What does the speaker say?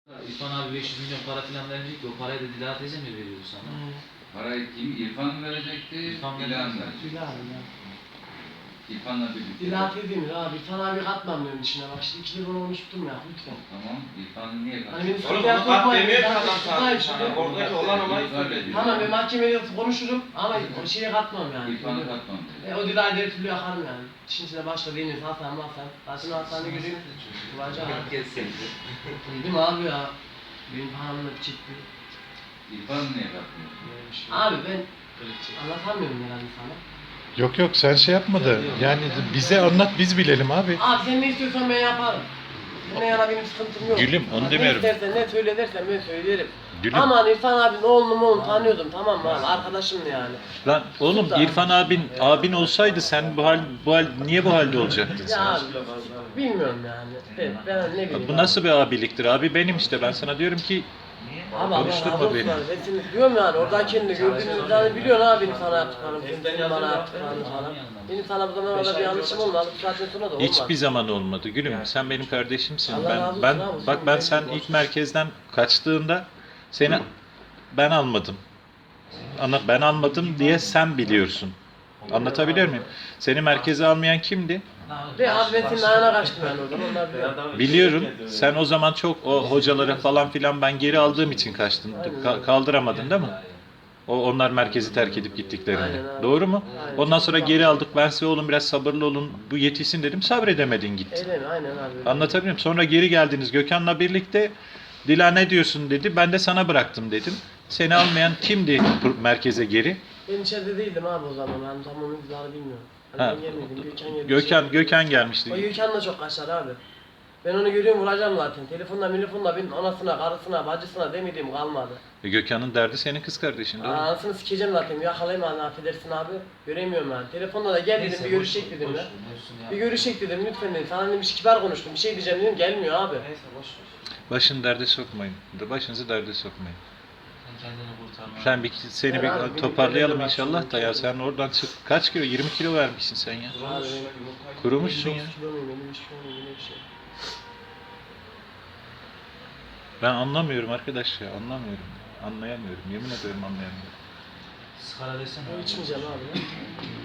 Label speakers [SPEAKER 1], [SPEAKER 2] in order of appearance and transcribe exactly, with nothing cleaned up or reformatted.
[SPEAKER 1] İrfan abi beş yüz milyon para falan verecek ki o parayı da Dilara teyze mi veriyordu sana?
[SPEAKER 2] Hmm.
[SPEAKER 3] Parayı kim? İrfan mı verecekti?
[SPEAKER 1] İrfan
[SPEAKER 3] İlhan mı
[SPEAKER 1] verecekti.
[SPEAKER 3] verecekti?
[SPEAKER 2] Dilara ya.
[SPEAKER 3] İrfan'la birlikte.
[SPEAKER 2] Dilara dediğimiz abi sana bir katmam diyorum içine bak şimdi iki lira unuttum ya lütfen.
[SPEAKER 3] Tamam. İrfan'ı niye
[SPEAKER 2] Hani
[SPEAKER 3] kaçırdın?
[SPEAKER 2] benim
[SPEAKER 4] Oğlum
[SPEAKER 2] sıkıntıya
[SPEAKER 4] onu kat
[SPEAKER 2] sokmayın.
[SPEAKER 4] demiyor ki
[SPEAKER 2] Ben
[SPEAKER 4] adam
[SPEAKER 2] sıkıntıdayım
[SPEAKER 4] sana.
[SPEAKER 2] şimdi.
[SPEAKER 4] Oradaki olan olayı söyledi.
[SPEAKER 2] Tamam ben mahkemede konuşurum ama o şeye katmam yani.
[SPEAKER 3] İrfan'ı katmam dedi.
[SPEAKER 2] E, o Dilara'yı her türlü yakarım yani. İşin içine başla Deniz, Hasan, Hasan. Hasan Hasan'ı göreyim. Kıvaca abi. Değil mi abi ya? Benim paramla çıktı.
[SPEAKER 3] İrfan'ı niye katmıyorsun?
[SPEAKER 2] Abi ben anlatamıyorum herhalde sana.
[SPEAKER 5] Yok yok sen şey yapma da yani bize anlat biz bilelim abi.
[SPEAKER 2] Abi sen ne istiyorsan ben yaparım. Seninle yana benim sıkıntım yok.
[SPEAKER 5] Gülüm, onu
[SPEAKER 2] Bak,
[SPEAKER 5] demiyorum.
[SPEAKER 2] Ne istersen ne söyle dersen ben söylerim.
[SPEAKER 5] Gülüm.
[SPEAKER 2] Aman İrfan abinin oğlunu mu oğlunu tanıyordum tamam mı abi arkadaşım yani.
[SPEAKER 5] Lan oğlum
[SPEAKER 2] Sultan.
[SPEAKER 5] İrfan abin abin olsaydı sen bu hal bu hal niye bu halde olacaktın
[SPEAKER 2] Ya
[SPEAKER 5] sen?
[SPEAKER 2] abi bilmiyorum yani. Ben, ben ne bileyim.
[SPEAKER 5] Bu nasıl bir abiliktir abi benim işte ben sana diyorum ki
[SPEAKER 2] Abi Allah
[SPEAKER 5] konuşturma
[SPEAKER 2] razı olsun
[SPEAKER 5] beni.
[SPEAKER 2] abi. Ben seni diyorum yani oradakini de gördüğünüz yani biliyorsun abi benim sana yaptıklarım, senin bana yaptıklarını falan. Benim sana bu zamana kadar bir yanlışım olmadı. Bu saatten sonra da olmaz.
[SPEAKER 5] hiçbir zaman olmadı gülüm. Sen benim kardeşimsin.
[SPEAKER 2] Allah razı
[SPEAKER 5] Ben
[SPEAKER 2] olsun
[SPEAKER 5] ben
[SPEAKER 2] abi,
[SPEAKER 5] bak
[SPEAKER 2] sen
[SPEAKER 5] ben
[SPEAKER 2] benim
[SPEAKER 5] sen
[SPEAKER 2] gibi
[SPEAKER 5] ilk
[SPEAKER 2] olsun.
[SPEAKER 5] merkezden kaçtığında seni ben almadım. Ana ben almadım diye sen biliyorsun. Anlatabiliyor muyum? Seni merkeze almayan kimdi?
[SPEAKER 2] Ve abi ben senin ayağına kaçtım yani oradan onlar biliyor.
[SPEAKER 5] Biliyorum. Sen o zaman çok o hocaları falan filan ben geri aldığım için kaçtın. Ka- kaldıramadın değil mi? O onlar merkezi terk edip gittiklerinde.
[SPEAKER 2] Aynen abi.
[SPEAKER 5] Doğru mu?
[SPEAKER 2] Aynen.
[SPEAKER 5] Ondan sonra geri aldık. Ben size oğlum biraz sabırlı olun. Bu yetişsin dedim. Sabredemedin gittin.
[SPEAKER 2] Öyle mi? Aynen abi.
[SPEAKER 5] Anlatabiliyor muyum? Sonra geri geldiniz Gökhan'la birlikte. Dila ne diyorsun dedi. Ben de sana bıraktım dedim. Seni almayan kimdi merkeze geri?
[SPEAKER 2] Ben içeride değildim abi o zaman. Ben tam onun izahını bilmiyorum. Hani
[SPEAKER 5] Ha.
[SPEAKER 2] ben gelmedim. Gökhan gelmiş.
[SPEAKER 5] Gökhan Gökhan
[SPEAKER 2] O
[SPEAKER 5] gelmişti.
[SPEAKER 2] Gökhan da çok kaçar abi. Ben onu görüyorum vuracağım zaten. Telefonla telefonla benim anasına, karısına, bacısına demediğim kalmadı.
[SPEAKER 5] E, Gökhan'ın derdi senin kız kardeşin. Doğru mu?
[SPEAKER 2] Anasını sikeceğim zaten. Yakalayayım hani affedersin abi. Göremiyorum yani. Telefonla da gel dedim bir görüşecek dedim ya. Bir görüşecek dedim lütfen dedim. Sana dedim bir kibar konuştum. Bir şey diyeceğim dedim. Gelmiyor abi.
[SPEAKER 1] Neyse boş ver.
[SPEAKER 5] Başını derde sokmayın. Başınızı derde sokmayın.
[SPEAKER 1] Sen kendini kurtarma.
[SPEAKER 5] Sen bir seni
[SPEAKER 2] Ben abi,
[SPEAKER 5] bir
[SPEAKER 2] bir
[SPEAKER 5] toparlayalım
[SPEAKER 2] bir
[SPEAKER 5] inşallah da ya sen oradan çık. Kaç kilo? yirmi kilo vermişsin sen ya.
[SPEAKER 2] Abi benim
[SPEAKER 5] Kurumuşsun ya.
[SPEAKER 2] elli dokuz kilo muyum, elli üç kilo muyum, öyle bir şey.
[SPEAKER 5] Ben anlamıyorum arkadaş ya anlamıyorum. Anlayamıyorum. Yemin ediyorum anlayamıyorum.
[SPEAKER 1] Skala desene.
[SPEAKER 2] Ben içmeyeceğim abi ya.